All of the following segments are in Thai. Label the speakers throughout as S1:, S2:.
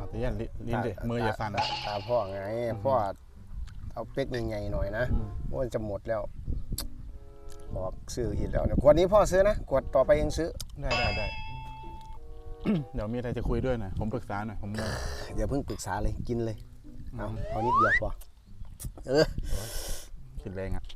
S1: แต่ยันลิ้นดิมืออย่าสั่น
S2: ตาพ่อไงพ่อเอาเป๊กใหญ่ๆหน่อยนะมันจะหมดแล้วบอกซื้ออีกแล้วเนี่ยขวดนี้พ่อซื้อนะขวดต่อไปเองซื้อ
S1: ได้ เดี๋ยวมีอะไรจะคุยด้วยหน่อยผมปรึกษาหน่อยผม
S2: อย่าเพิ่งปรึกษาเลยกินเลยเอานิดเดียวพอ
S1: คิดแรงอ่ะ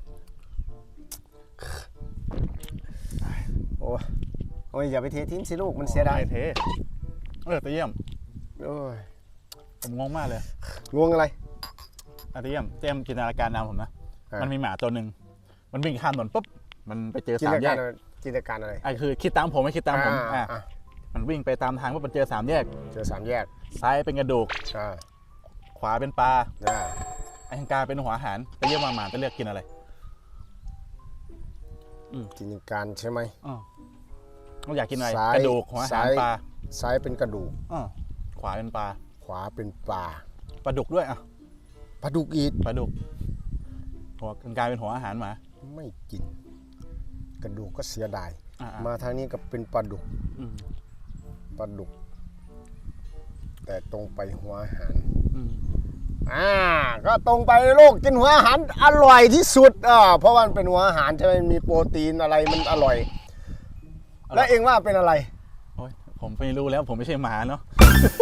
S2: โอ้ยอย่าไปเททิ้งสิลูกมันเสียดาย
S1: เทแต่เยี่ยมผมงงมากเลย
S2: งงอะไร
S1: แต่เยี่ยมเจมจินตนาการนำผมนะมันมีหมาตัวหนึ่งมันวิ่งข้ามถนนปุ๊บมันไปเจอสามแยก
S2: จินตนาการอะไร
S1: คือคิดตามผมไม่คิดตามผมมันวิ่งไปตามทางว่ามันเจอสามแยกซ้ายเป็นกระดูกขวาเป็นปลาไอ้ทางกลางเป็นหัวอาหารแต่เยี่ยมหมาจะเลือกกินอะไร
S2: จินตนาการใช่ไหม
S1: เราอยากกินอะไรกระดูกหัวอาหารปลา
S2: ซ้ายเป็นกระดูก
S1: ขวาเป็นปลา
S2: ปลา
S1: ดุกด้วย
S2: ปลาดุกอีก
S1: ปลาดุกหัวกลางเป็นหัวอาหารหมา
S2: ไม่กินกระดูกก็เสียดายมาทางนี้ก็เป็นปลาดุกแต่ตรงไปหัวอาหารก็ตรงไปโลกกินหัวอาหารอร่อยที่สุดเพราะว่ามันเป็นหัวอาหารใช่ไหมมีโปรตีนอะไรมันอร่อยแล้วเองว่าเป็นอะไร
S1: ผมไม่รู้แล้วผมไม่ใช่หมาเนาะ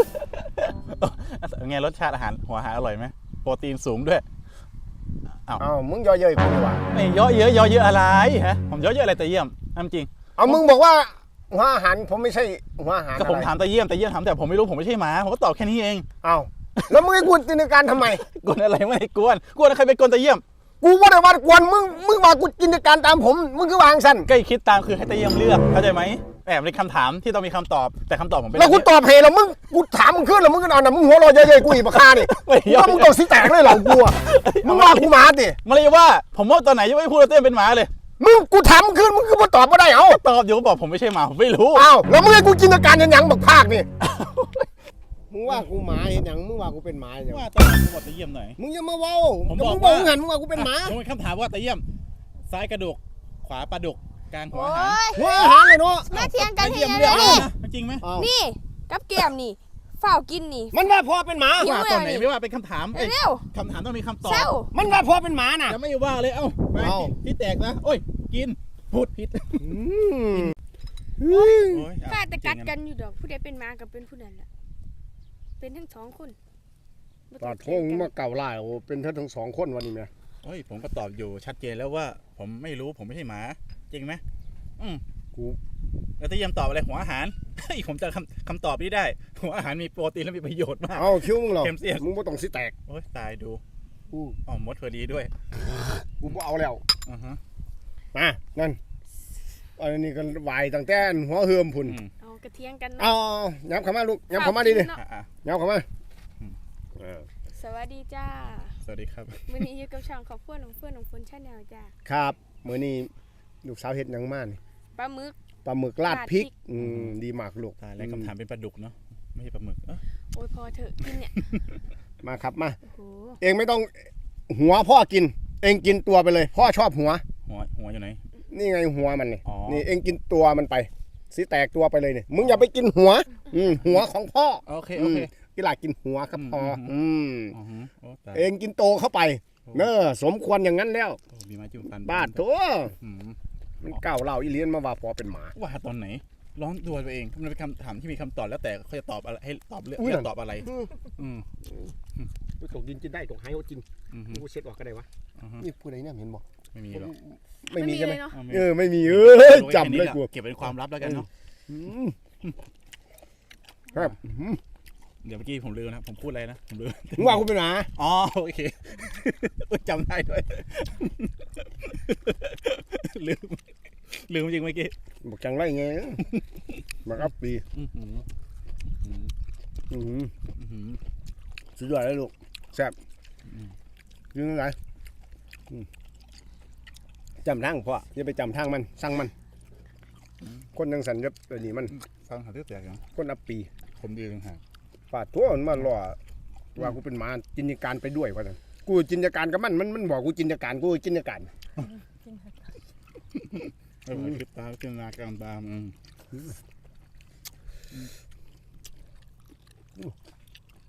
S1: ไงรสชาติอาหารหัวอาหารอร่อยไหมโปรตีนสูงด้วย
S2: มึงย่อเยอะกูดีกว่า
S1: ไม่ย่อเยอะอะไรฮะผมย่อเยอะอะไรแต่เยี่ยมจริง
S2: มึงบอกว่าหัวอาหารผมไม่ใช่หัวอาหาร
S1: ก็ผมถามแต่เยี่ยมถามแต่ผมไม่รู้ผมไม่ใช่หมาผมก็ตอบแค่นี้เอง
S2: แล้วมึงให้กวนจินตนาการทำไม
S1: กวนอะไรไม่ได้กวนใครเป็นกวนแต่เยี่ยม
S2: กูว่าแต่ว่ากวนมึงว่ากูจินตนาการตามผมมึงคือวางสั้น
S1: ก็คิดตามคือให้แต่เยี่ยมเลือกเข้าใจไหมในคำถามที่ต้องมีคำตอบแต่คำตอบผมเป็น
S2: แล้วกูตอบเพลแล้วกูถามมึงขึ้นแล้วมึงก็นอนนะมึงหัวเราะเยอะๆกูอีกปากคาดิว่ามึงตกสีแตกเลยเหรอกูมึงว่ากูหมาดิ
S1: มาเลยว่าผมว่าตอนไหนยังไม่พูดเต้นเป็นหมาเลย
S2: กูถามขึ้นมึงคือมาตอบไม่ได้
S1: ตอบอยู่ก็บอกผมไม่ใช่หมาผมไม่รู้
S2: แล้วมึงให้กูจินตนาการยังบักภาคนี่มึงว่ากูหมาเห็นยังมึงว่ากูเป็นหมาอย่าง
S1: ว่าตอนกูบอกตะเยี่ยมหน่อย
S2: มึงอย่ามาเว้ามึงบอกหันมึงว่ากูเป็นหมา
S1: ผมเป็นคำถามว่าตะเยี่ยมซ้ายกระดูกขวาปลาดุกกลางหัว
S2: อาหารเลยเนาะ
S3: มาเทียงกัน
S1: เยี่ยมเรื่องจริงไหม
S3: นี่กับแก้มนี่เฝ้ากินนี่
S2: มันว่าพ่อเป็นหมา
S1: ว่าตอนไหนไม่ว่าเป็นคำถามคำถามต้องมีคำตอบ
S2: มันว่าพ่อเป็นหมาน่ะ
S1: จะไม่ว่าเลยไปที่แตกนะโอ้ยกินพูดผิด
S3: ข้าแต่กัดกันอยู่ดอกผู้ใดเป็นหมากับเป็นผู้นั้นแหละเป็นทั้งสองคน
S2: ปลาท่งมาเก่าล่าเป็นทั้งสองคนวันนี้ไหม
S1: ผมก็ตอบอยู่ชัดเจนแล้วว่าผมไม่รู้ผมไม่ใช่หมาจริงไหม
S2: กู
S1: แล้วจะยังตอบอะไรหัวอาหารผมจะคำตอบนี้ได้หัวอาหารมีโปรตีนและมีประโยชน์มาก
S2: คิ้วมึงหรอมึงไม่ต้องสิแตก
S1: ตายดูมดพอดีด้วย
S2: กูไม่เอาแล้วนั่นอันนี้กันวายตั้งแต่หัวเฮือมพุ่น
S3: กระเทียงกัน
S2: ย้ำเข้ามาลูกย้ำเข้ามาดิย้ำเข้ามา
S3: สวัสดีจ้า
S1: สวัสดีครับ
S3: มื้อนี้อยู่กับช่องขอบคุณน้องเฟื่อนน้องฝนชาแนลจ้า
S2: ครับมื้อนี้ลูกสาวเฮ็ดหยังมานี่
S3: ปลาหมึก
S2: ราดพริกดีมากลูก
S1: แล้วคำถามเป็นปลาดุกเนาะไม่ใช่ปลาหมึก
S3: โอ้ยพอเถอะกินเนี่ย
S2: มาครับมาเองไม่ต้องหัวพ่อกินเองกินตัวไปเลยพ่อชอบหัว
S1: อยู่ไหน
S2: นี่ไงหัวมันนี่เองกินตัวมันไปสิแตกตัวไปเลยเนี่ยมึงอย่าไปกินหัวหัวของพ่อ
S1: โอเค
S2: กีฬากินหัวครับพ่อเองกินโตเข้าไปสมควรอย่างนั้นแล้วบ้าทั่วมันเก่าเล่าอีเลียนมาว่าพอเป็นหมา
S1: ว่าตอนไหนร้อนตัวตัวเองมันเป็นคำถามที่มีคำตอบแล้วแต่เขาจะตอบอะไรให้ตอบเรื่องตอบอะไร
S2: ตกดินกินได้ตกหายก็กินกูเช็ดออกก็ได้วะนี่พูดอะไรเนี่ยเห็นบอก
S1: ไม่มีหรอก
S2: ไม่มีใช่ไหมไม่มีจำเลยกู
S1: เก็บเป็นความลับแล้วกันเนาะ
S2: ครับ
S1: เดี๋ยวเมื่อกี้ผมลืมนะผมพูดอะไรนะผมลืม
S2: ว่าคุณเป็นหมา
S1: โอเคจำได้ด้วยลืมจริงเมื่อกี้
S2: บอกจังไรไงมาอัพปีสุดยอดเลยลูกแซ่บยืนไหนจำทางพ่ออย่าไปจำทางมันสั่งมันคนยังสันยับตัวนี้มัน
S1: ฟังหาเรื่องแตกอย่าง
S2: คนอัพปี
S1: ผมดีต่างหาก
S2: ป่าทั่วมันมาล่อว่ากูเป็นหมาจินตนาการไปด้วยว่ากูจินตนาการกับมันบอกกูจินตนาการกูจินตนาการ
S1: คิดตามจินตนาการตาม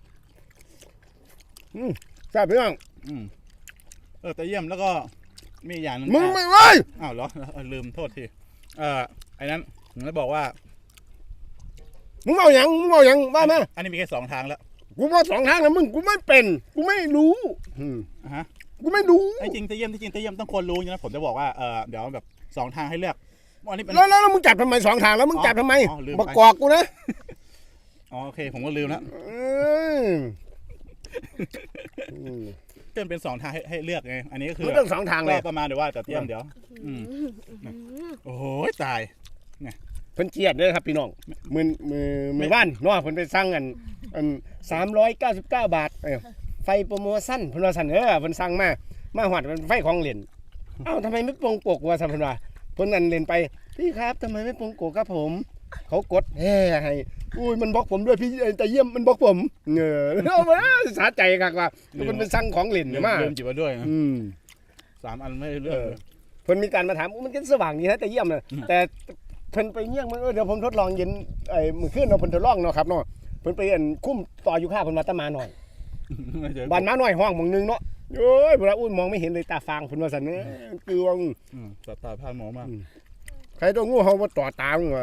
S2: แซ่บพี่น้อง
S1: แต่เยี่ยมแล้วก็มีอย่างนึง
S2: มึงไม่เอ้ย
S1: อ้าวเหรอลืมโทษทีไอ้นั้นผมจะบอกว่า
S2: มึงเอาอย่างว่ามา
S1: อันนี้มีแค่2 ทางแล้ว
S2: กูว่า2 ทางนะมึงกูไม่เป็นกูไม่รู้
S1: ฮะ
S2: กูไม่รู้
S1: ไอ้จริงตะเยี่ยมต้องคนรู้นะผมจะบอกว่าเดี๋ยวแบบ2 ทางให้เลือกอันนี้เป็น
S2: แล้วมึงจับทำไม2 ทางแล้วมึงจับทำไมมากอกกูนะ
S1: โอเคผมก็ลืมแล้วเกินเป็น2 ทางให้เลือกไงอันนี้ก็คือ
S2: เรื่อง2 ทางเลย
S1: ประมาณเดี๋ยวว่าแต่เตรียมเดี๋ยวโอ้โหตาย
S2: เพิ่นเจียดเลยครับพี่น้องมือบ้านเนาะเพิ่นไปสั่งอัน399 บาทไฟโปรโมชั่นเพิ่นว่าสั่นเพิ่นสั่งมาหอดเป็นไฟของเล่นเอ้าทำไมไม่ปรงปกว่าสั่นเพิ่นว่าเพิ่นอันเล่นไปพี่ครับทำไมไม่ปรงปกครับผมเขากดให้อุ้ยมันบล็อกผมด้วยพี่แต่เยี่ยมมันบล็อกผมเอามาสาใจคักว่ามันเป็นสั่งของเล่นมา
S1: ลืมจิบมาด้วยนะ3 อันไม่เลือก
S2: เพิ่นมีการมาถามมันก็สว่างดีนะแต่เยี่ยมนะแต่เพิ่นไปเยี่ยงมันเดี๋ยวผมทดลองเย็นมื้อคืนเนาะเพิ่นทดลองเนาะครับเนาะเพิ่นไปคุ้มต่ออยู่ข้าเพิ่นมาตะมาหน่อยบ้านมาหน่อยห้องหม่องนึงเนาะโอ้ยบ่ละอุ้ยมองไม่เห็นเลยตาฟางเพิ่นว่าซั่นเด้กึวง
S1: ตาพาหมอมาก
S2: ใครตัวงูเห่าบ่ต่อตามึงวะ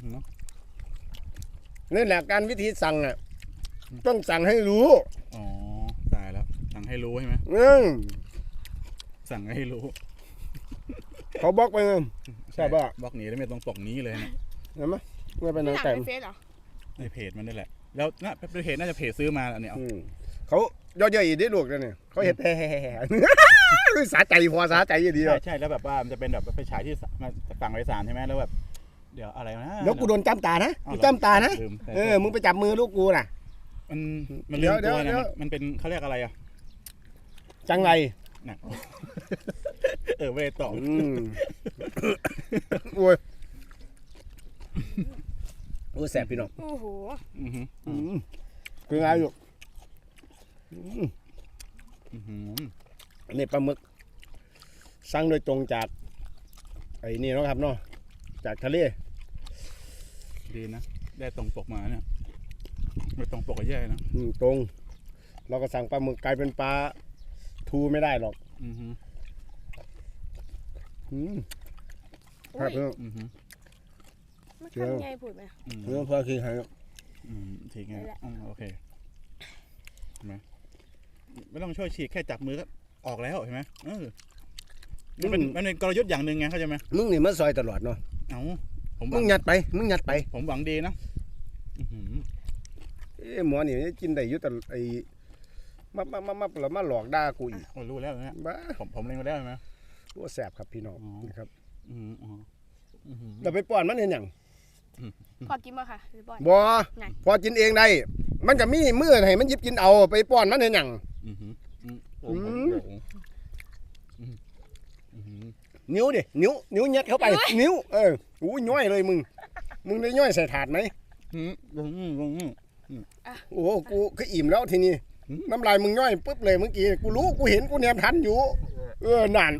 S2: นี่แหละการวิธีสั่งน่ะต้องสั่งให้รู้
S1: อ๋อตายแล้วสั่งให้รู้ใช่ไหมสั่งให้รู้
S2: เขาบล็อกไปใช่ป่ะ
S1: บล็อกหนีแล้วไม่ต้องปกนี้เลยนะ
S2: เห็นไหมไม่เป็น
S3: หนั
S2: นาง
S3: ง
S2: แต่
S3: ในเฟซเหรอ
S1: ในเพจมันนี่แหละแล้วน่าเป็นเพจน่าจะเพจซื้อมาอันนี้
S2: เขาย่อยๆอีกได้ลูกเนี่ยเขาเห็นแฮ่สาใจพอสาใจดี
S1: ใช่แล้วแบบว่ามันจะเป็นแบบไปฉายที่มาฝั่งไร้สารใช่ไหมแล้วแบบเดี๋ยวอะไรนะ
S2: แล้วกูโดนจ้ำตานะกูจ้ำตานะมึงไปจับมือลูกกูน่ะ
S1: มันลืมตัวนะมันเป็นเขาเรียกอะไรอ่ะ
S2: จังไร
S1: นะไม่ได้ตอบ
S2: โอ้ยแสบพี่น้อง
S3: โอ้โห
S2: คือไงอยู่นี่ปลาหมึกสั่งโดยตรงจากไอ้นี่นะครับเนาะจากทะเล
S1: ดีนะได้ตรงปกมาเนี่ยไม่ตรงปกก็แย่นะ
S2: ตรงเราก็สั่งปลาหมึกกลายเป็นปลาทูไม่ได้หรอก
S3: ครับมันทำไงพูดไหม
S2: เรื่องพอคือหาย
S1: ทีไงโอเคเห็นไหมไม่ต้องช่วยฉีกแค่จับมือก็ออกแล้วเห็นไหมมันเป็นกลยุทธ์อย่างหนึ่งไงเข้าใจไหม
S2: มึงนี่มันซอยตลอดเนาะมึงยัดไป
S1: ผมหวังดีนะ
S2: หมอนี่กินได้ยุติไอ้มาหลอกด่ากูอีก
S1: รู้แล้วนะผมเล็งมาแล้วใช่ไหม
S2: ว่าแสบครับพี่น้องนะครับเราไปป้อนมันเห็นอย่าง
S3: พอกินบ่ค่ะ
S2: บ่พอกินเองได้มันจะมีมือให้มันหยิบกินเอาไปป้อนมันเห็นอย่างนิ้วดินิ้วยัดเข้าไปนิ้วอู้ย่อยเลยมึงได้ย่อยใส่ถาดไหมโอ้กูก็อิ่มแล้วทีนี้น้ำลายมึงย่อยปุ๊บเลยเมื่อกี้กูรู้กูเห็นกูแนมทันอยู่นาน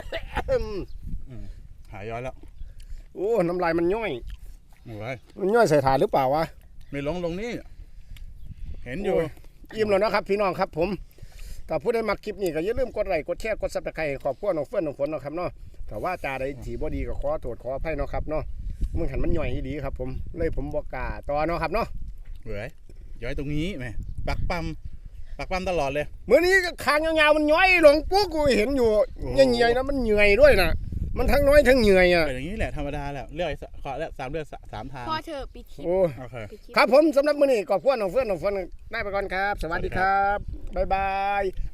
S1: หายย้อยแล้ว
S2: โอ้น้ำลายมันย่อยมันย่อยใส่ถาดหรือเปล่าวะ
S1: ไม่ลงนี่เห็นอยู่
S2: อิ่มแล้วนะครับพี่น้องครับผมถ้าผู้ใดมาคลิปนี้ก็อย่าลืมกดไลค์กดแชร์กดซับสไครต์ขอบคุณน้องเฟื่อนน้องฝนนะครับเนาะแต่ว่าจาใดที่บ่ดีก็ขอโทษขออภัยเนาะครับเนาะมึงหันมันย่อยดีครับผมเลยผมบอกกาต่อเนาะครับเนาะ
S1: ย้อยตรงนี้แม่ปักปั๊มตลอดเลย
S2: เมื่อนี้คางยาวๆมันย้อยลงปุ๊บกูเห็นอยู่ยังเหนื่อยนะมันเหนื่อยด้วยนะมันทั้งน้อยทั้งเหนื่อยอ่ะ
S1: อย่างนี้แหละธรรมดาแหละเลือกขอแล้ว3 เลือก 3 ทาง
S3: พอเธอปิดคลิป
S1: โอเค
S2: ครับผมสำหรับมื้อนี้ขอบคุณน้องเฟื่อนน้องฝนได้ไปก่อนครับสวัสดีครับบ๊ายบาย